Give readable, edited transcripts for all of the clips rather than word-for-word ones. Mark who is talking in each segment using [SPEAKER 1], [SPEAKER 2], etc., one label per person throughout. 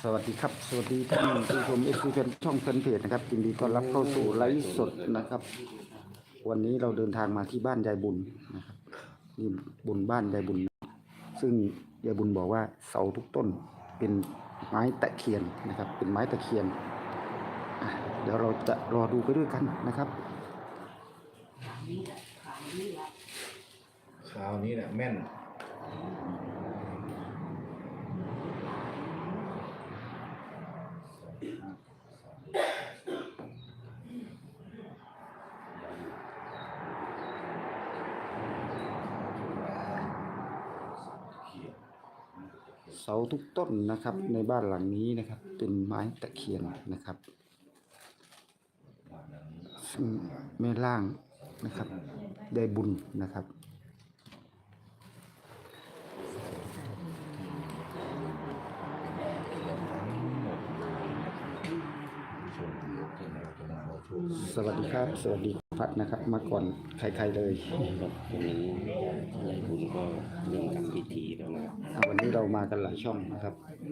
[SPEAKER 1] สวัสดีครับสวัสดีท่านผู้ชมเอฟซีเป็นช่องแฟนเพจนะครับยินดีต้อนรับเข้าสู่ไลฟ์สดนะครับวันนี้เราเดินทางมาที่บ้านยายบุญนะครับนี่บุญบ้านยายบุญซึ่งยายบุญบอกว่าเสาทุกต้นเป็นไม้ตะเคียนนะครับเป็นไม้ตะเคียนเดี๋ยวเราจะรอดูไปด้วยกันนะครับ
[SPEAKER 2] คราวนี้แหละแม่น
[SPEAKER 1] เสาทุกต้นนะครับในบ้านหลังนี้นะครับเป็นไม้ตะเคียนนะครับซึ่งแม่ล่างนะครับได้บุญนะครับสวัสดีครับสวัสดีพัดนะครับมาก่อนใครๆเลย
[SPEAKER 3] วันนี้ยายบุญก็เริ่มทำพิธีแล้วนะครับ
[SPEAKER 1] วันนี้เรามากันหลายช่องนะครับ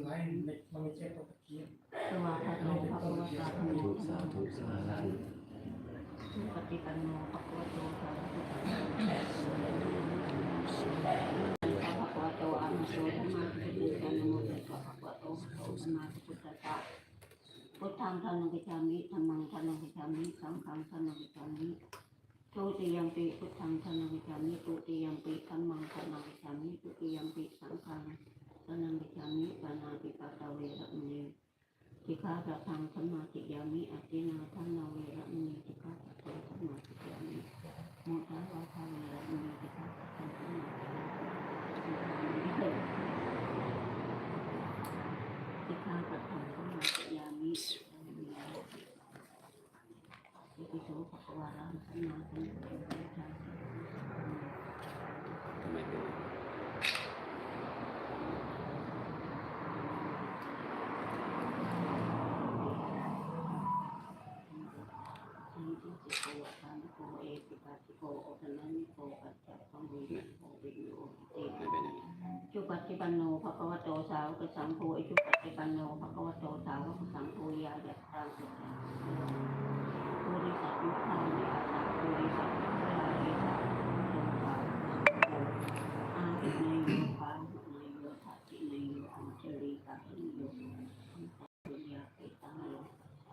[SPEAKER 3] ทุกสาธุสาธุ
[SPEAKER 4] ปฏิปันโนภะคะวะโตสาวกสังฆภะคะวะโตอะระหะโตสัมมาสัมพุทธัสสะนะโมตัสสะภะคะวะโตอะระหะโตสัมมาสัมพุทธัสสะพุทธังธัมมังคัจฉามิธัมมังธัมมังคัจฉามิสังฆังธัมมังคัจฉามิทุติยัมปิพุทธังธัมมังคัจฉามิตุติยัมปิธัมมังธัมมังคัจฉามิตุติยัมปิสังฆังธัมมังคัจฉามิปานาติปาตาเวระมณีสิกขาปะทังสัมมาทิฏฐิยามิอตินาทันนาเวระมณีสิกขาปะทังสัมมาทิฏฐิยามิโมทาวาทาเวระมณีสิกขาปะทังสัมมาทิฏฐิยามิสิกขาปะทังสัมมาทิฏฐิยามิอิติโสภะคะวะระหะสัมมาสัมพุทธัสสะ
[SPEAKER 3] ทำไมเป็น
[SPEAKER 4] จุปัจจิปันโนภะคะวะโตสาวกสังโฆอิจุปัจจิปันโนภะคะวะโตสาวกสังโฆยายัตถังสุขังโพธิสัตว์ยุคานิอาสาโพธิสัตว์ยุคานิอาสาโตสาวกสังโฆอาทิเนโยปาหุเนโยทัตติเนโยอัญชลีกาหิโยปุญญาเกตังโย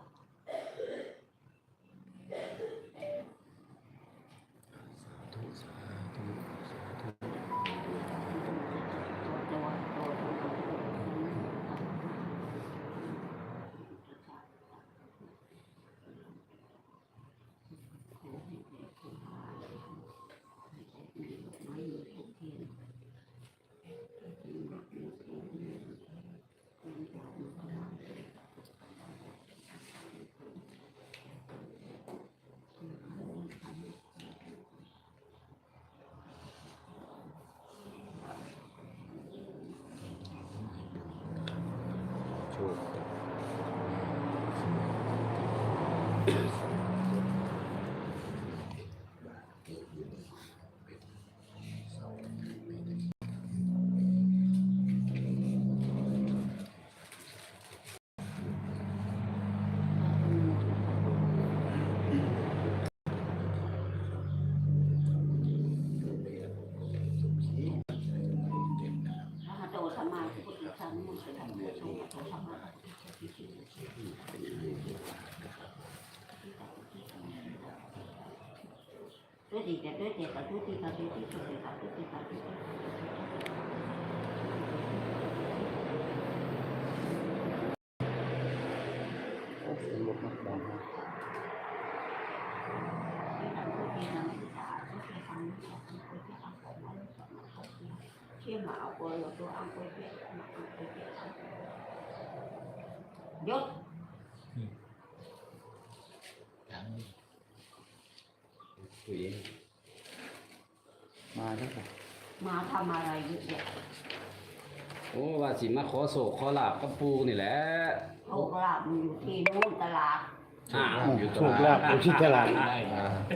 [SPEAKER 4] ด้วยดีแต่ด้วยเจตทุติกาตุติสุเตกาตุติกาตุติ
[SPEAKER 1] โอ้ลดนักดังนะ
[SPEAKER 4] เชี่ยหมาเอาตัวอังโกยเปียยศ
[SPEAKER 1] มาแล้วครับ
[SPEAKER 4] มาทำอะไรเยอะแยะ
[SPEAKER 3] โอ้ว่าสิมาขอโศกขอลาบกับปูนี่แหละ
[SPEAKER 4] โชคลาภอยู่ที่นู่นตลาด
[SPEAKER 3] อยู่
[SPEAKER 1] ถูกแล้วอยู่ที่ตลาด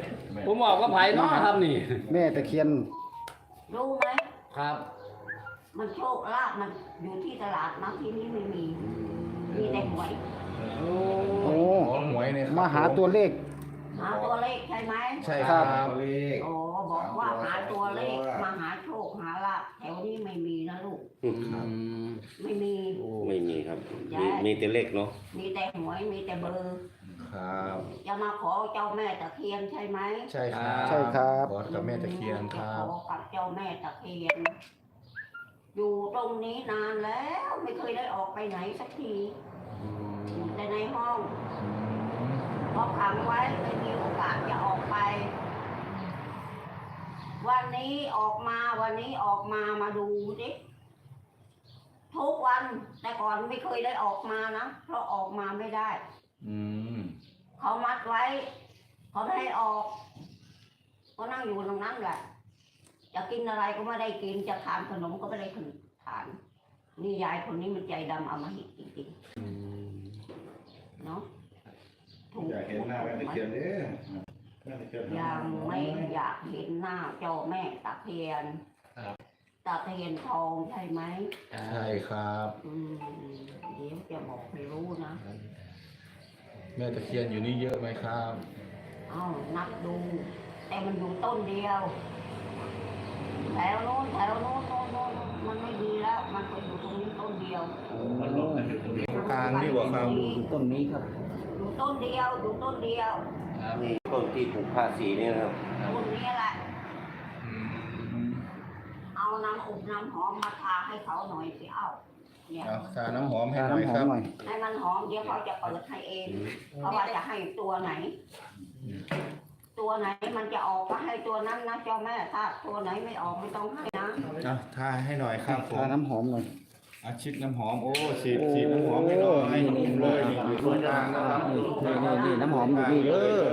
[SPEAKER 3] ผมบอกว่าไผ่เนาะครับนี่
[SPEAKER 1] แม่ตะเคียน
[SPEAKER 4] รู้ไหม
[SPEAKER 3] ครับ
[SPEAKER 4] มันโชคลาภมันอยู่ที่ตลาดนะที่นี้ไม่มีแต่หวย
[SPEAKER 1] โอ้
[SPEAKER 2] หวยเนี่ย
[SPEAKER 1] มาหาตัวเลข
[SPEAKER 4] หาตัวเลขใช่ไหม
[SPEAKER 2] ใช่ครับ
[SPEAKER 5] เลข
[SPEAKER 4] โอ้บอกว่าหาตัวเลขมาหาโชคหาลาภแถวนี้ไม่มีนะลูกไม่มี
[SPEAKER 3] ไม่มีครับ มีแต่เลขเนาะ
[SPEAKER 4] มีแต่หวยมีแต่เบอร์
[SPEAKER 2] ครับ
[SPEAKER 4] จะมาขอเจ้าแม่ตะเคียนใช่ไหม
[SPEAKER 2] ใช่ครับ
[SPEAKER 1] ใช่ครับ
[SPEAKER 2] ขอกับแม่ตะเคียนค
[SPEAKER 4] จะ
[SPEAKER 2] รับ
[SPEAKER 4] ขอกับเจ้าแม่ตะเคียน อยู่ตรงนี้นานแล้วไม่เคยได้ออกไปไหนสักทีอยู่แต่ในห้องพอขังไว้ไม่มีโอกาสจะออกไป วันนี้ออกมามาดูดิทุกวันแต่ก่อนไม่เคยได้ออกมานะเพราะออกมาไม่ได้
[SPEAKER 2] อืม
[SPEAKER 4] เขามัดไว้เขาไม่ให้ออกก็นั่งอยู่ตรงนั้นแหละจะกินอะไรก็ไม่ได้กินจะทานขนมก็ไม่ได้ทานนี่ยายคนนี้มันใจดำเอามาหิจริงๆเนาะถูก
[SPEAKER 5] อยากเห็นหน้าแม่ตะเคียนเนี่ยแม่ตะเคียน
[SPEAKER 4] ยังไม่อยากเห็นหน้าเจ้าแม่ตะเคียนตะเคียนทองใช่ไหม
[SPEAKER 2] ใช่ครับ
[SPEAKER 4] เดี๋ยวจะบอกให้รู้นะ
[SPEAKER 2] แม่ตะเคียนอยู่นี่เยอะไหมครับ
[SPEAKER 4] เอานับดู แต่มันอยู่ต้นเดียว แถวโน้นมันไม่ดีแล้ว มันก็อยู่ตรงนี้ต้นเดียว
[SPEAKER 2] กลางนี่หว่าครับ
[SPEAKER 1] อยู่ต้นนี้ครับ
[SPEAKER 4] อยู่ต้นเดียว
[SPEAKER 3] ต้นที่ผูกผ้าสีนี่นะครับ
[SPEAKER 4] ต้นนี้แหละ เอาน้ำอบน้ำหอมมาทาให้เขาหน่อยสิเอาเนี่ย
[SPEAKER 2] เอาทาน้ำหอมให้
[SPEAKER 1] ทา
[SPEAKER 2] หน่อย
[SPEAKER 1] น้ำห
[SPEAKER 2] ค
[SPEAKER 1] อ
[SPEAKER 2] รั
[SPEAKER 1] ม
[SPEAKER 2] บ
[SPEAKER 1] หน่อย
[SPEAKER 4] ให้มันหอมเดี๋ยวเขาจะเปิดให้เองเพราะว่าจะให้ตัวไหน ตัวไหนมันจะออกก็ให้ตัวนั้นนะเจ้าแม่ถ้าตัวไหนไม่ออกไม่ต้องให้นะ
[SPEAKER 2] เอาทาให้หน่อยครับผ
[SPEAKER 1] ทาม น้ำหอมหน่อย
[SPEAKER 2] อาชิดน้ำหอมโอ้ฉีดน้ำหอมให้หน่อยนุ่มเลยนี่อยู่ตรงกลางนะครับ
[SPEAKER 1] นี่น้ำหอมอยู่นี่เด้อ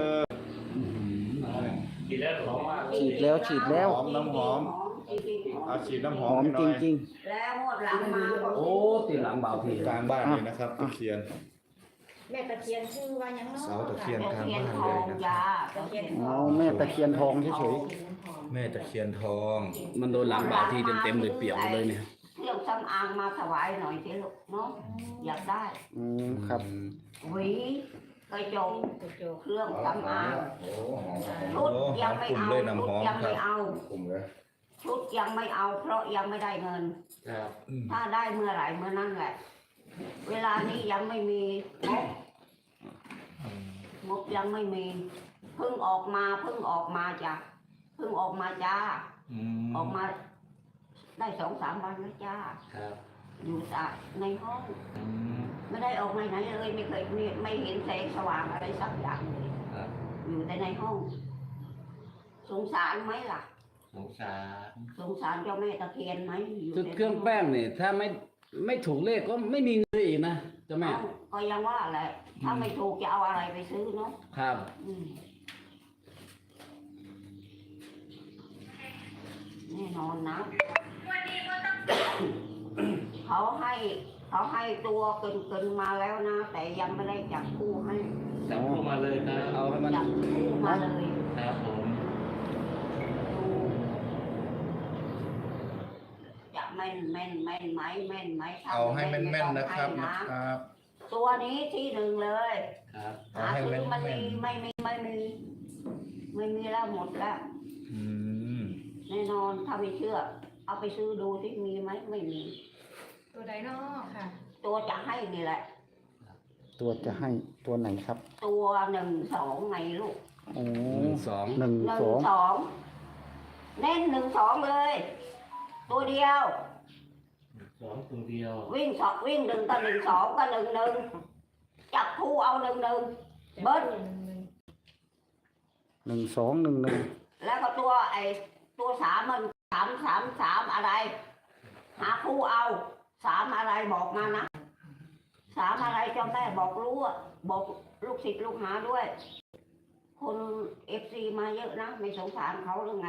[SPEAKER 1] ฉีดแล้ว
[SPEAKER 2] หอมน้ำหอมเอาฉีดน้ำห
[SPEAKER 1] ห
[SPEAKER 2] อ
[SPEAKER 1] อ
[SPEAKER 2] ม
[SPEAKER 1] ม
[SPEAKER 2] ให้ห
[SPEAKER 1] จ
[SPEAKER 2] น่อย
[SPEAKER 1] ริง
[SPEAKER 4] แล้วงวดหลังมาก็
[SPEAKER 6] โอ้ตีหลังเบาที
[SPEAKER 2] กลางบ้านเลยนะครับตะเคียน
[SPEAKER 7] แม่ตะเคียนชื่อว่ายังเนาะ
[SPEAKER 2] เสาตะเคียน
[SPEAKER 4] ตะ
[SPEAKER 2] กลาง
[SPEAKER 4] เคียน
[SPEAKER 2] บ้าน
[SPEAKER 4] ท
[SPEAKER 2] เล
[SPEAKER 4] อย ง
[SPEAKER 2] นะ
[SPEAKER 4] ยา
[SPEAKER 1] ๆเอาแม่ตะเคียนทองเฉย
[SPEAKER 2] แม่ตะเคียนทอง
[SPEAKER 6] มันโดนหลังเบาทีเต็มๆเลยเปียกหมดเลยเนี่ย
[SPEAKER 4] เครื่องสำอางมาถวายหน่อยสิลูกเนาะอยากได้
[SPEAKER 1] ๆครับ
[SPEAKER 4] หวีกระจก
[SPEAKER 7] กระจก
[SPEAKER 4] เครื่องสำอาง
[SPEAKER 5] โอ้หอม
[SPEAKER 4] ชุดยังไม่เอาชุดยังไม่เอา
[SPEAKER 5] กลุ่มเลย
[SPEAKER 4] ชุดยังไม่เอา เพราะยังไม่ได้เงิน ถ้าได้เมื่อไหร่เมื่อนั้นแหละ เวลานี้ยังไม่มีงบยังไม่มีเพิ่งออกมาจ้ะเพิ่งออกมาจ้าออกมาได้2-3 วันแล้วจ้าอยู่ในห้องไม่ได้ออกไปไหนเลยไม่เคยไม่เห็นแสงสว่างอะไรสักอย่างเลยอยู่แต่ในห้อง สงสารไหมล่ะ
[SPEAKER 6] สงสาร
[SPEAKER 4] สงสารเจ้าแม่ตะเคียนไหมอยู่
[SPEAKER 6] คือ
[SPEAKER 4] แต่ใน
[SPEAKER 6] เครื่องแป้งเนี่ยถ้าไม่ถูกเลขก็ไม่มีเงินอีกนะเจ้าแม่
[SPEAKER 4] เอ้าก็ยังว่าแหละถ้าไม่ถูกจะเอาอะไรไปซื้อเนาะ
[SPEAKER 6] ครับ
[SPEAKER 4] อืมแน่นอนนะ เขาให้ตัวเกินมาแล้วนะ แต่ยังไม่ได้จับคู่ให้
[SPEAKER 6] จับคู่มาเลยครับเอาให้มัน
[SPEAKER 4] จับคู่มาเลย
[SPEAKER 6] ครับผม
[SPEAKER 4] จะแม่นไหมถ้
[SPEAKER 2] เอาให้แม่นๆนะครับ
[SPEAKER 4] ไม่ต้องให้
[SPEAKER 2] นะครับ
[SPEAKER 4] ตัวนี้ที่หนึ่งเลย
[SPEAKER 6] ครับ
[SPEAKER 2] เอา
[SPEAKER 4] หา
[SPEAKER 2] ให้
[SPEAKER 4] ซื้อมัน
[SPEAKER 2] แม่
[SPEAKER 4] มี
[SPEAKER 2] น
[SPEAKER 4] ไม่มีแล้วหมดแล้ว
[SPEAKER 2] ๆอืม
[SPEAKER 4] แน่นอนถ้าไม่เชื่อ เอาไปซื้อดูที่มีไหมไม่มี
[SPEAKER 7] ตัวใดเนาะค่ะ
[SPEAKER 4] ตัวจะให้นี่แหละ
[SPEAKER 1] ตัวจะให้ตัวไหนครับ
[SPEAKER 4] ตัว1-2ไงลูก
[SPEAKER 1] โอ้
[SPEAKER 6] 1-2
[SPEAKER 1] 1 2
[SPEAKER 4] เน้น1-2เลย ตัวเดียว
[SPEAKER 6] 2ตัวเดียว
[SPEAKER 4] วิ่ง1ก็1-2ก็1-1จับคู่เอา1-1เบิ้ล
[SPEAKER 1] 1 2 1 1
[SPEAKER 4] แล้วก็ตัว3มัน3อะไร หาคู่เอา3อะไรบอกมานะ3อะไรเจ้าแม่บอกรู้อะบอกลูกศิษย์ลูกหาด้วย คนFCมาเยอะนะไม่สงสารเขาหรือไง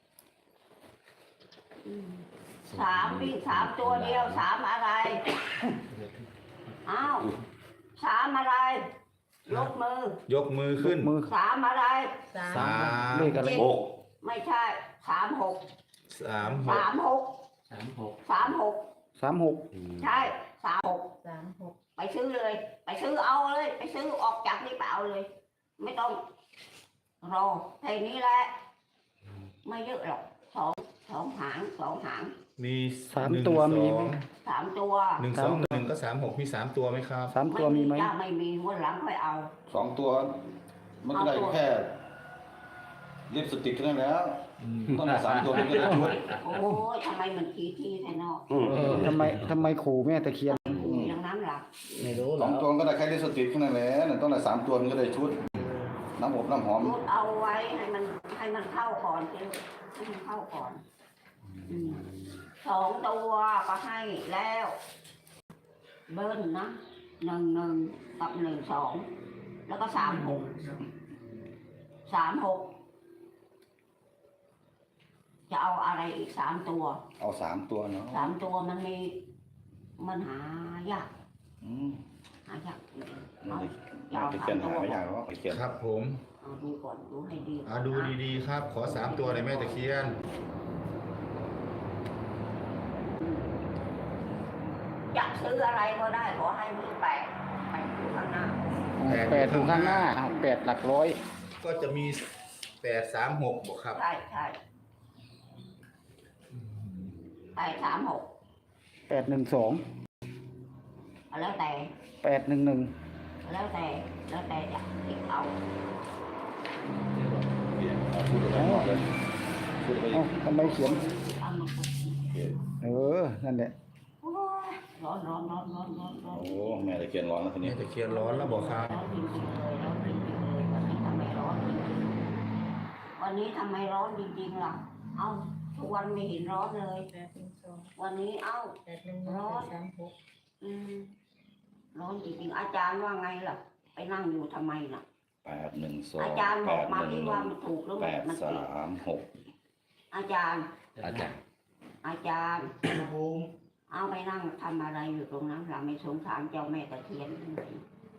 [SPEAKER 4] วิ่ง3ตัวเดียว3อะไรอ้าว3อะไรยกมือย
[SPEAKER 2] กมือขึ้น
[SPEAKER 1] มือ
[SPEAKER 4] 3อะไร
[SPEAKER 2] สาม
[SPEAKER 1] เลขอะไร
[SPEAKER 3] หก
[SPEAKER 4] ไม่ใช่36
[SPEAKER 2] 3 6
[SPEAKER 4] 36
[SPEAKER 6] 36
[SPEAKER 4] 36
[SPEAKER 1] 36
[SPEAKER 4] ใช่36
[SPEAKER 7] 36
[SPEAKER 4] ไปซื้อเลย ไปซื้อเอาเลย ไปซื้อออกจากนี่ไปเอาเลย ไม่ต้องรอแค่นี้แหละไม่เยอะหรอกสองหาง
[SPEAKER 2] มี
[SPEAKER 1] 3 ตัวมีไหม
[SPEAKER 4] 3 ตัว
[SPEAKER 2] 121ก็36มี3ตัวไหมครับ
[SPEAKER 1] 3 ตัวมีไหม
[SPEAKER 4] จ้าไม่มีวันหลังค่อยเอา
[SPEAKER 5] 2 ตัวมันก็ได้แค่ลิปสติกแค่นั้นแล้วต้องได้3 ตัวมันก็ได้ชุด
[SPEAKER 4] โอ้ยทำไมมันทีแท้เนาะ
[SPEAKER 1] ทำไมขู่แม่ตะเคียน
[SPEAKER 4] มีดังนั้นหลัก
[SPEAKER 6] ไม่รู้หร
[SPEAKER 5] ส
[SPEAKER 6] อ
[SPEAKER 5] อก งตัวก็ได้แค่ลิปสติกแค่นั้นแหละต้องได้3 ตัวมันก็ได้ชุดน้ำอบน้ำหอม
[SPEAKER 4] รูดเอาไว้ให้มันเข้าก่อนสิให้มันเข้าก่อน2 ตัวก็ให้แล้ว เบิ้ลนะ11กับ12แล้วก็36จะเอาอะไรอีก3 ตัว
[SPEAKER 5] เอา3 ตัวเนาะ
[SPEAKER 4] 3 ตัวมันหายาก
[SPEAKER 5] อืม
[SPEAKER 4] หายาก
[SPEAKER 5] ไม่
[SPEAKER 4] เอา
[SPEAKER 5] ได้เขียนหาไม่ยากหรอกไปเขียน
[SPEAKER 2] ครับผม
[SPEAKER 4] เอาดูก่อนดูให้ดี
[SPEAKER 2] ดูดีๆครับ ขอ3ตัวเลยแม่ตะเคียน
[SPEAKER 4] จะซื้ออะไรก็ได้ขอให้มือแปะอยู่ข้างหน้า
[SPEAKER 1] 8ถึงข้างหน้า8หลักร้อย
[SPEAKER 2] ก็จะมี836บอกครับ
[SPEAKER 4] ใช่836
[SPEAKER 1] 812
[SPEAKER 4] แล้วแต่
[SPEAKER 1] 811
[SPEAKER 4] แล้วแต่จะติดเอา
[SPEAKER 5] พูดอะไรหมดเลยพูดไปอี
[SPEAKER 1] เอ้าก ทำไมเขียน
[SPEAKER 4] เอามาพูด
[SPEAKER 1] นั่นแหละ
[SPEAKER 4] โอ้ยร้อน
[SPEAKER 5] โอ้แม่ตะเคียนร้อนแล้วที
[SPEAKER 2] แม่
[SPEAKER 5] นี้
[SPEAKER 2] ตะเคียนร้อนแล้วบอกครับ
[SPEAKER 4] ร้อนจริงๆเลยร้อนจริงๆเลยวันนี้ทำไมร้อนจริงๆวันนี้ทำไมร้อนจริงๆล่ะเอ้าทุกวันไม่เห็นร้อนเลย วันนี้เอ้า ร้อนจริงๆอาจารย์ว่าไงล่ะ ไปนั่งอยู่ทำไมล่ะ
[SPEAKER 5] 812
[SPEAKER 4] อาจารย์บอกมาที่ว่ามันถูกหรือไม่มันผิด
[SPEAKER 5] 836
[SPEAKER 4] อาจารย์
[SPEAKER 3] อาจารย์
[SPEAKER 4] เอาไปนั่งทำอะไรอยู่ตรงนั้นเราไม่สงสารเจ้าแม่ตะเคียนเลย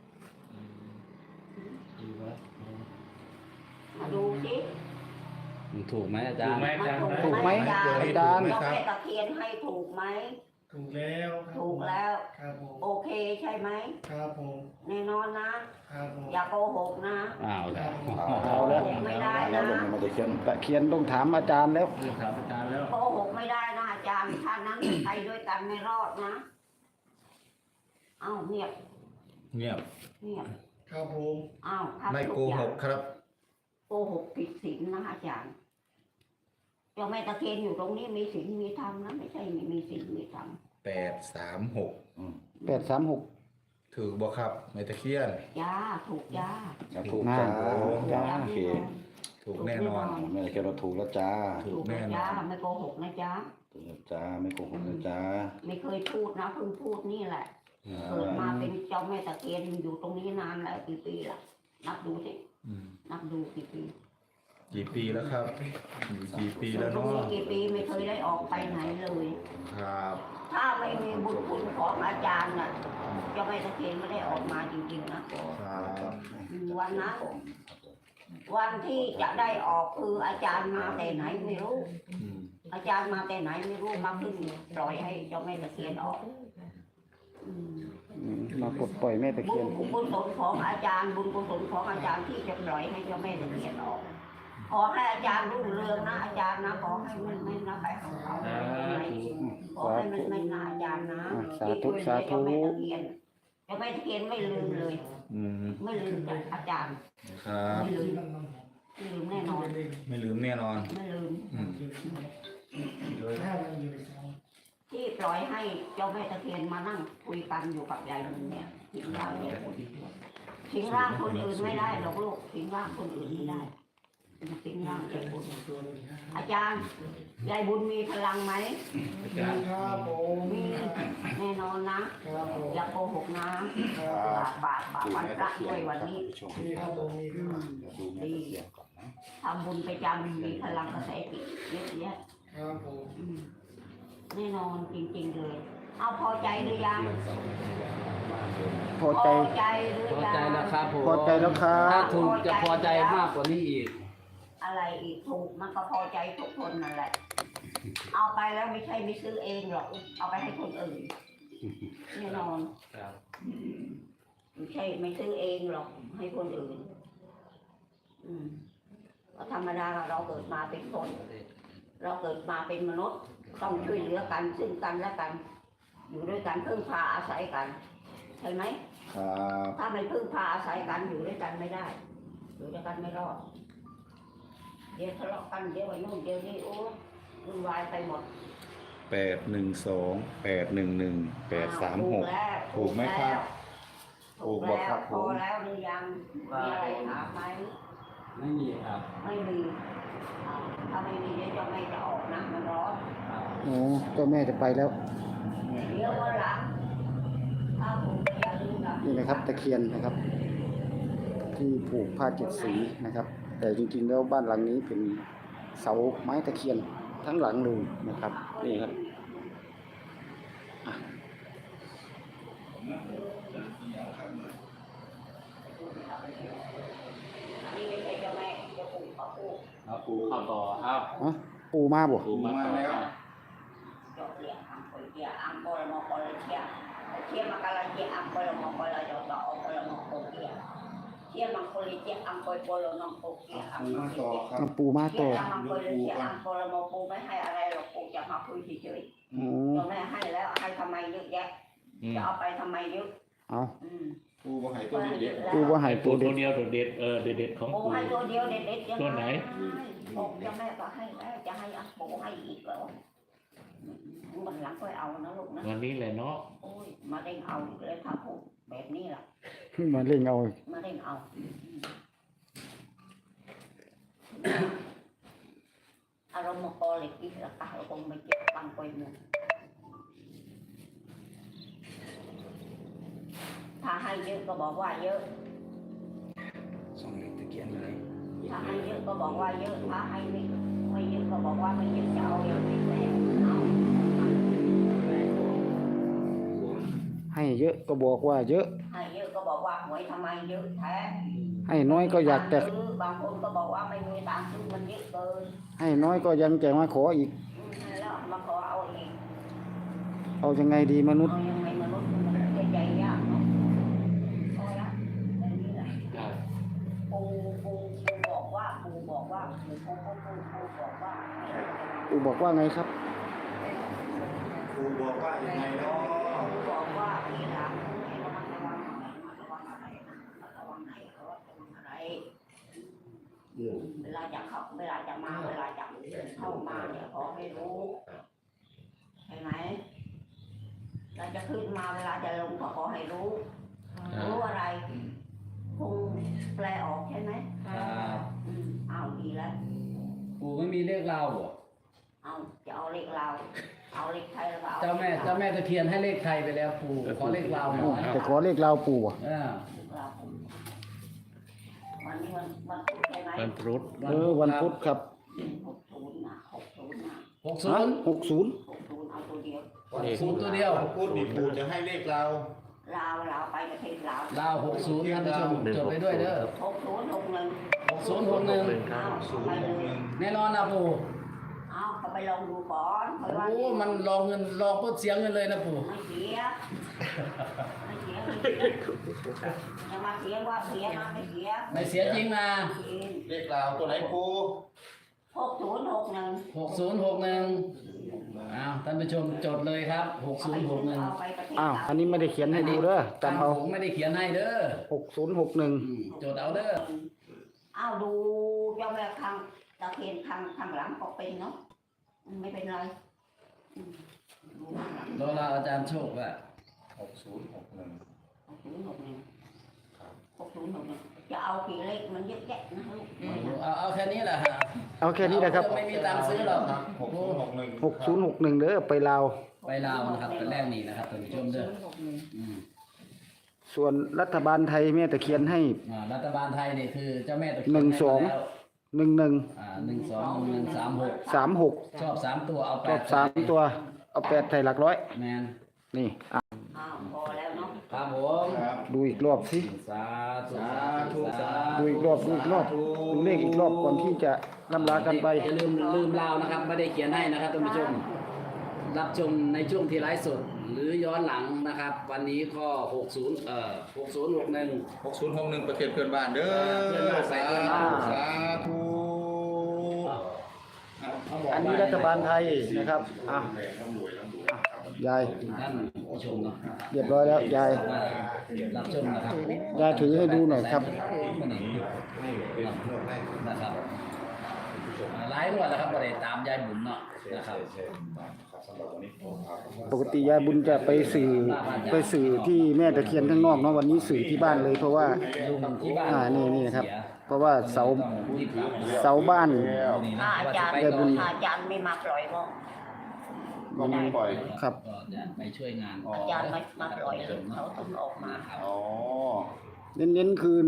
[SPEAKER 4] มาดูสิ
[SPEAKER 6] มันถูกไหมอาจารย์
[SPEAKER 4] มัน
[SPEAKER 1] ถูกไหม
[SPEAKER 4] อาจารย์
[SPEAKER 1] อาจารย์
[SPEAKER 4] เจ้าแม่ตะเคียนให้ถูกไหม
[SPEAKER 8] ถูกแล้วครับ
[SPEAKER 4] ถูกแล้ว
[SPEAKER 8] ครับผม
[SPEAKER 4] โอเคใช่ไหม
[SPEAKER 8] ครับผม
[SPEAKER 4] แน่นอนนะ
[SPEAKER 8] ครับผม
[SPEAKER 4] อย่าโกหกนะ
[SPEAKER 6] อ้าวแล้ว
[SPEAKER 1] เอาแล้ว
[SPEAKER 4] โกหกไม่ได้
[SPEAKER 5] แล้ว
[SPEAKER 4] นะ
[SPEAKER 5] ลงมาตะเคียน
[SPEAKER 1] ตะเคียนต้องถามอาจารย์แล้ว
[SPEAKER 6] ถามอาจารย์แล้ว
[SPEAKER 4] โกหกไม่ได้นะอาจารย์ถ้านั้นไปด้วยกันไม่รอดนะเอ้าเงียบ
[SPEAKER 2] เงียบ
[SPEAKER 8] ครับผม
[SPEAKER 4] อ้าวทำ
[SPEAKER 2] ไม่
[SPEAKER 4] ทุ
[SPEAKER 2] โก
[SPEAKER 4] อย่า
[SPEAKER 2] ห
[SPEAKER 4] ง
[SPEAKER 2] กครับ
[SPEAKER 4] โกหกผิดศีลนะอาจารย์เจ้าแม่ตะเคียนอยู่ตรงนี้มีศีลมีธรรมนะไม่ใช่ไม่มีศีลมีธรรม
[SPEAKER 2] 836
[SPEAKER 1] 836
[SPEAKER 2] ถือบอกครับแม่ตะเคียน
[SPEAKER 4] จ้าถูกจ้า
[SPEAKER 5] ถูก
[SPEAKER 1] น่า
[SPEAKER 5] จ้า
[SPEAKER 1] จ้า
[SPEAKER 5] โอเค
[SPEAKER 2] ถูกแน่นอน
[SPEAKER 5] แม่ตะเคียนเราถูกแล้วจ้า
[SPEAKER 2] ถู
[SPEAKER 4] ถู
[SPEAKER 2] ก
[SPEAKER 4] ก
[SPEAKER 2] แน่
[SPEAKER 4] นะ
[SPEAKER 2] นอ
[SPEAKER 4] จ้าน ไม่โกหกนะจ้า
[SPEAKER 5] ถูกแล้วจ้าไม่โกหกนะจ้า
[SPEAKER 4] ไม่เคยพูดนะเพิ่งพูดนี่แหละเกิดมาเป็นเจ้าแม่ตะเคียนอยู่ตรงนี้นานแล้วกี่ปีละนับดูสิ
[SPEAKER 2] อืม
[SPEAKER 4] นับดูกี่ปี
[SPEAKER 2] กี่ปีแล้วครับอยู่กี่ปีแล้ว
[SPEAKER 4] ตรง
[SPEAKER 2] เนาะ
[SPEAKER 4] นี้กี่ปีไม่เคยได้ออกไปไหนเลย
[SPEAKER 2] ครับ
[SPEAKER 4] ถ้าไม่มีบุญคุณของอาจารย์น่ะเจ้าแม่ตะเคียนไม่ได้ออกมาจริงๆนะครับ วันนั้นวันที่จะได้ออกคืออาจารย์มาแต่ไหนไม่รู้
[SPEAKER 2] อืม
[SPEAKER 4] อาจารย์มาแต่ไหนไม่รู้มาขึ้นปล่อยให้เจ้าแม่ตะเคียนออกอืม
[SPEAKER 1] มากดปล่อยแม่ตะ
[SPEAKER 4] บุ
[SPEAKER 1] เคีย
[SPEAKER 4] ญ
[SPEAKER 1] น
[SPEAKER 4] กุศลของอาจารย์บุญกุศลของอาจารย์ที่จะปล่อยให้เจ้าแม่ตะเคียนออกขอให้อาจารย์รุ่งเรืองนะอาจารย์นะขอให้มันไม่นะไปของเขาขอให้มันไม่นะอาจารย์นะ
[SPEAKER 1] สาธุสาธุ
[SPEAKER 4] เจ้าแม่ตะเคียนไม่ลืมเลย
[SPEAKER 2] อืม
[SPEAKER 4] ไม่ลืมจากอาจารย์
[SPEAKER 2] ครับ
[SPEAKER 4] ไม่ลืมไม่ลืมแน่นอน
[SPEAKER 2] ไม่ลืมแน่นอน
[SPEAKER 4] ไม่ลืม
[SPEAKER 2] อืม
[SPEAKER 4] ที่ปล่อยให้เจ้าแม่ตะเคียนมานั่งคุยกันอยู่กับยายลุงเนี่ยสิงร่างเนี่ยสิงร่างคนอื่นไม่ได้หรอกลูกสิงร่างคนอื่นไม่ได้สิงร่างยายบุญอาจารย์ยายบุญมีพลังไหม
[SPEAKER 8] ครับผม
[SPEAKER 4] มีแน่นอนนะ
[SPEAKER 8] ครับผม
[SPEAKER 4] อย่าโกหกนะบาปวันพระด้วยวันนี้
[SPEAKER 8] มีครับผมมีครับ
[SPEAKER 4] ดีทำบุญไปจำมีพลังกระแสจิตเยอะแยะ
[SPEAKER 8] ครับผม
[SPEAKER 4] แน่นอนจริงๆเลย เอาพอใจหรือยัง
[SPEAKER 1] พอใจ
[SPEAKER 4] ใจหรือ
[SPEAKER 6] พอ
[SPEAKER 4] ยัง
[SPEAKER 6] ใจแล้วครับผม
[SPEAKER 1] พอใจแล้วครั
[SPEAKER 6] ถ้า
[SPEAKER 1] บ
[SPEAKER 6] ถูกจะพอใจมากกว่านี้อีก
[SPEAKER 4] อะไรอีกถูกมันก็พอใจทุกคนนั่นแหละเอาไปแล้วไม่ใช่ไม่ซื้อเองหรอกเอาไปให้คนอื่นแน่นอนไม่ใช่ไม่ซื้อเองหรอกให้คนอื่นก็ธรรมดาเราเกิดมาเป็นคน เราเกิดมาเป็นมนุษย์ต้องช่วยเหลือกันซึ่งกันและกัน อยู่ด้วยกันพึ่งพาอาศัยกันใช่ไหม
[SPEAKER 5] ครับ
[SPEAKER 4] ถ้าไม่พึ่งพาอาศัยกันอยู่ด้วยกันไม่ได้อยู่ด้วยกันไม่รอดเดี๋ยวทะเลาะกันเดี๋ยวไอ้นู่นเดี๋ยวนี่โอ้วุ่นวายไปหมด
[SPEAKER 5] 812 811 836 ถูกไหมครับ
[SPEAKER 4] ถูกแล้วพอแล้วหรือยังมีอะไรถามไหม
[SPEAKER 6] ไม่มีครับ
[SPEAKER 4] ไม่มีถ้าไม่มีเดี๋ยวจะไม่จะออกนะมันร้อน
[SPEAKER 1] โอ้เจ้าแม่จะไปแล้ว
[SPEAKER 4] เดี๋ยววันหลังถ้าผมอย่าลืมนะ
[SPEAKER 1] นี่นะครับตะเคียนนะครับ ที่ผูกผ้าเจ็ดสีนะครับ แต่จริงๆแล้วบ้านหลังนี้เป็นเสาไม้ตะเคียนทั้งหลังเลยนะครับนี่ครับอ่ะ
[SPEAKER 4] นี่ไม่ใช่เจ้าแม่จะปลูกเขาปลูก
[SPEAKER 6] เอาปูเข้าต่อเอา
[SPEAKER 1] อ๋อปูมาบ่
[SPEAKER 6] ปูมาต่อเอา
[SPEAKER 4] จบเรียอังโกลเจียอังโกลมอโกลเจียเทียมากาลเจียอังโกลมอโกลจอตอโกลมอโกเจียเทียมังโกลเจียอังโกลโกลนองโกเจียอังโกลเจีย
[SPEAKER 1] เอาปูมา
[SPEAKER 4] เที
[SPEAKER 1] ต่
[SPEAKER 4] ย
[SPEAKER 1] อ
[SPEAKER 4] มังโกลเจียอังโกลมอปูไม่ให้อะไรหรอกปูจะมาคุยเฉย
[SPEAKER 1] อ๋อ
[SPEAKER 4] ๆเจ้าแม่ให้แล้วให้ทำไมเยอะแยะจะเอาไปทำไมเยอะ
[SPEAKER 1] เอา
[SPEAKER 5] ปูบ่ให้ตัวเด็ก
[SPEAKER 1] ปูว่าใหาย
[SPEAKER 3] ปู
[SPEAKER 1] ปู
[SPEAKER 3] ตั
[SPEAKER 1] เด็
[SPEAKER 3] ว
[SPEAKER 1] ด
[SPEAKER 3] เดียวตัวเด็ดเด็ดของ
[SPEAKER 4] ปู
[SPEAKER 3] ปู
[SPEAKER 4] ให้ตัวเดียวเด็ดๆยัง
[SPEAKER 3] ตัวไหน
[SPEAKER 4] บอกเจ้าแม่ก็ให้แล้วจะให้ปูให้อีกเหรอวันหลังก็เอานะลูกนะ
[SPEAKER 3] วันนี้แหละเนาะ
[SPEAKER 4] โอ้ยมาเด้งเอาเลยถ้าพูดแบบนี้ล่ะ
[SPEAKER 1] มาเล่งเอา
[SPEAKER 4] มาเด้งเอาอารมณ์กอเล็กอีกละค่ะเราคงไม่เก็บตังไปหมดถ้าให้เยอะก็บอกว่าเยอะ
[SPEAKER 6] ส่องเลขตะเคียนเลย
[SPEAKER 4] ถ้าให้เยอะก็บอกว่าเยอะถ้าให้ไม่เยอะก็บอกว่าไม่เยอะจะเอาอย่างนี้แหละเอา
[SPEAKER 1] ให้เยอะก็บอกว่าเยอะ
[SPEAKER 4] ให้เยอะก็บอกว่าหวยทำไมเยอะแท้
[SPEAKER 1] ให้น้อยก็อยากแต่
[SPEAKER 4] ซื้อบางคนก็บอกว่าไม่มีตังค์ซื้อมันเยอะเกิน
[SPEAKER 1] ให้น้อยก็ยังจะมาขออีก
[SPEAKER 4] แล้วมาขอเอาเอง
[SPEAKER 1] เอายังไงดีมนุษย์
[SPEAKER 4] เอายังไงมนุษย์มันใจยากเนาะเอาละแบบนี้แหละปูบอกว่าปูบอกว่าปูบอกว่า
[SPEAKER 1] ปูบอกว่าไงครับ
[SPEAKER 5] ปูบอกว่ายังไงเนาะ
[SPEAKER 4] ปูบอกว่าทีหลังให้ระมัดระวังอะไรระวังไหนเขาระวังอะไรเวลาจะเข้าเวลาจะมาเวลาจะเข้ามาเนี่ยขอให้รู้ใช่ไหมเราจะขึ้นมาเวลาจะลงก็ขอให้รู้รู้อะไรคงแปลออกใช่ไหม
[SPEAKER 6] ครับ
[SPEAKER 4] เอาดีแล้ว
[SPEAKER 6] ปูไม่มีเลขเราบ่
[SPEAKER 4] เอาจะเอาเลขเราเอาเลขไทยแล้วก็เอา
[SPEAKER 6] เจ้าแม่ตะเคียนให้เลขไทยไปแล้วปูขอเลขเราหน่อย
[SPEAKER 1] จะขอเลขเราปูอ่ะ
[SPEAKER 4] วันนี้วันพุธใช่ไหม
[SPEAKER 3] วันพรุษ
[SPEAKER 1] วันพุธครับ
[SPEAKER 4] 60นะ60นะ
[SPEAKER 6] 60
[SPEAKER 1] 60
[SPEAKER 4] 60เอาตัวเดียว
[SPEAKER 6] 60ตัวเดียว
[SPEAKER 5] พูดดิปูจะให้เลขเรา
[SPEAKER 4] ลาวไปประเทศลาว
[SPEAKER 6] ลาว60ท่านผู้ชมจดไปด้วยเด้อ
[SPEAKER 4] 60 61
[SPEAKER 6] 6061
[SPEAKER 4] เอาไปเลย
[SPEAKER 6] แน่นอนนะปู
[SPEAKER 4] เอาก็ไปลองดูก่อนเพราะว่า
[SPEAKER 6] โอ้มันลองเงินลองปุ๊บเสียเงินเลยนะปู
[SPEAKER 4] ไม่เสียจะมาเสียว่าเสียมาไม่เสีย
[SPEAKER 6] ไม่เสียจริงนะ
[SPEAKER 5] เลขเราตัวไหนปู
[SPEAKER 4] 6061
[SPEAKER 6] 6061อ้าวท่านผู้ชมจดเลยครับ 6061
[SPEAKER 4] เอาไปประเทศ
[SPEAKER 1] อ้าว
[SPEAKER 4] ลาว
[SPEAKER 1] อันนี้ไม่ได้เขียนให้ดูเด้อจำเอา
[SPEAKER 6] ผมไม่ได้เขียนให้เด้อ
[SPEAKER 1] 6061
[SPEAKER 6] จดเอาเด้อ
[SPEAKER 4] เอาดูเจ้าแม่ข้างตะเคียนข้างหลังก็เป็นเนาะไม่เป็นไรดูข้างหลัง
[SPEAKER 6] รอเราอาจารย์โชคว่า
[SPEAKER 5] 6061
[SPEAKER 4] จะเอากี่เลขมันเยอะแยะนะลูก
[SPEAKER 6] เอาแค่นี้แหละฮะ
[SPEAKER 1] เอาแค่นี้แหละครับ
[SPEAKER 6] ไม่มีตังค์ซื้อหรอก
[SPEAKER 5] 6061
[SPEAKER 1] 6061เด้อไปลาว
[SPEAKER 6] ไปลาวนะครับเป็นแรกนี่นะครับท่านผู้ชมเด้ออืม
[SPEAKER 1] ส่วนรัฐบาลไทยแม่ตะเคียนให้
[SPEAKER 6] รัฐบาลไทยนี่คือเจ้าแม่ตะเคียน
[SPEAKER 1] 12
[SPEAKER 6] ให้แล้ว
[SPEAKER 1] 11
[SPEAKER 6] 12 1136
[SPEAKER 1] 36
[SPEAKER 6] ชอบ3ตัวเอา
[SPEAKER 1] รอบ
[SPEAKER 6] 8
[SPEAKER 1] 3ตัวเอา8ใส่หลักร้อย
[SPEAKER 6] แมน
[SPEAKER 1] นี่อ่ะ
[SPEAKER 4] อ้าวพอแล้วเนาะ
[SPEAKER 6] ครับผม
[SPEAKER 5] ครับ
[SPEAKER 1] ดูอีกรอบสิ
[SPEAKER 6] สาธุ
[SPEAKER 2] สาธุสา
[SPEAKER 1] ดูอีกรอบดูเลขอีกรอบก่อนที่จะล่ำลากันไป
[SPEAKER 6] อย่าลืมลาวนะครับไม่ได้เขียนให้นะครับท่านผู้ชมรับชมในช่วงที่ไลฟ์สดหรือย้อนหลังนะครับ วันนี้ก็6061
[SPEAKER 2] 6061ประเทศเพื่อนบ้านเด้อสาธุสาธุ
[SPEAKER 1] อันนี้รัฐบาลไทยนะครับยาย
[SPEAKER 6] ท่านผู้ชมเนาะ
[SPEAKER 1] เรียบร้อยแล้วยาย
[SPEAKER 6] รับชมนะครับ
[SPEAKER 1] ยายถือให้ดูหน่อยครับ
[SPEAKER 6] นะครับไลฟ์ด้วยนะครับประเด็นตามยายบุญเนาะนะครับ
[SPEAKER 1] ปกติยายบุญจะไปสื่อที่แม่ตะเคียนข้างนอกเนาะวันนี้สื่อที่บ้านเลยเพราะว่า
[SPEAKER 6] ลุงที่บ้าน
[SPEAKER 1] นี่นะครับ เพราะว่าเสาบ้าน
[SPEAKER 4] ถ้าอาจารย์
[SPEAKER 1] ยายบุญ
[SPEAKER 4] ถ้าอาจารย์ไม่มาปล่อยก็
[SPEAKER 5] ก็ไม่ปล่อย
[SPEAKER 1] ครับ
[SPEAKER 6] ก็จะไปช่วยงาน
[SPEAKER 4] อาจารย์ไม่มาปล่อยเขาต้องออกมา
[SPEAKER 5] อ๋อ
[SPEAKER 1] เน้นๆคือ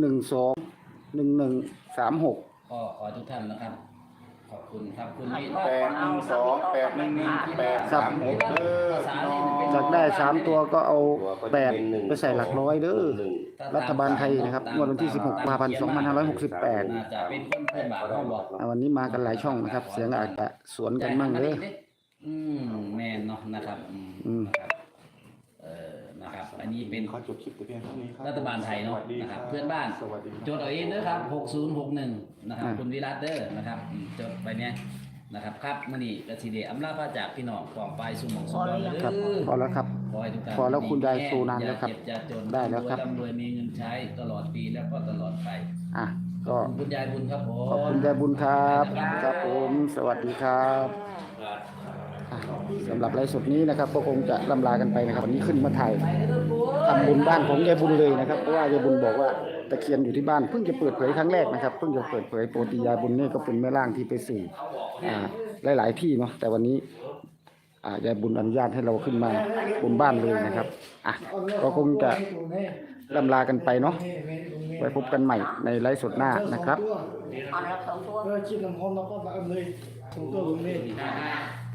[SPEAKER 1] 121136
[SPEAKER 6] ก็ขอทุกท่านนะครับ ขอบคุณครับคุณวิ
[SPEAKER 5] 812 811 836เด้อพี่น้อง
[SPEAKER 1] จากได้3ตัวก็เอา8ไปใส่หลักร้อยเด้อรัฐบาลไทยนะครับงวดวันที่16กุมภาพันธ์2568
[SPEAKER 6] น่าจะเป็นคนเพื่อนบ้านเขาบอก
[SPEAKER 1] วันนี้มากันหลายช่องนะครับ เสียงอาจจะสวนกันมั่งเลย
[SPEAKER 6] แมนเนาะนะครับ นะครับนะครับ อันนี้เป็น
[SPEAKER 5] ขอจบคลิปแต่เพียงเท่านี้ครับ
[SPEAKER 6] รัฐบาลไทยเนาะ
[SPEAKER 5] สวัสดี
[SPEAKER 6] นะค
[SPEAKER 5] ค
[SPEAKER 6] รั
[SPEAKER 5] รั
[SPEAKER 6] บบ เพื่อนบ้าน
[SPEAKER 5] สวัสดี
[SPEAKER 6] จดเอาเองเด้อครับ6061นะครับคุณวิรัตเด้อนะครับจดไปเนี่ยนะครับครับมื้อนี้กสิเดอำลาพระจากพี่น้องของปลายสุหมองสุบอนเด้อ
[SPEAKER 1] ครับพอแล้วครับ
[SPEAKER 6] ขอให้ทุกท่าน
[SPEAKER 1] พอแล้วคุณยายโชว์นานแล้วครับ
[SPEAKER 6] อย่าเจ็บอย่าจน
[SPEAKER 1] ได้แล้วครับ
[SPEAKER 6] ร่ำรวยมีเงินใช้ตลอดปีแล้วก็ตลอดไป
[SPEAKER 1] อ่ะ
[SPEAKER 6] ข
[SPEAKER 1] ก็
[SPEAKER 6] อบคุณคุณยายบุญครับผม
[SPEAKER 1] ขอบคุณยายบุญครับครับผมสวัสดีครับอ่ะสำหรับไลฟ์สดนี้นะครับก็คงจะล่ำลากันไปนะครับวันนี้ขึ้นมาถ่ายทำบุญบ้านของยายบุญเลยนะครับเพราะว่ายายบุญบอกว่าตะเคียนอยู่ที่บ้านเพิ่งจะเปิดเผยครั้งแรกนะครับเพิ่งจะเปิดเผยปกติยายบุญนี่ก็เป็นแม่ร่างที่ไปสื่อหลายๆที่เนาะแต่วันนี้ยายบุญอนุญาตให้เราขึ้นมาบนบ้านเลยนะครับอ่ะก็คงจะล่ำลากันไปเนาะไว้พบกันใหม่ในไลฟ์สดหน้านะครับ
[SPEAKER 4] เอาละ2 ตัว
[SPEAKER 8] คิดน้ำหอมแล้วก็มาเลย2 ตัวตรงนี้
[SPEAKER 6] 55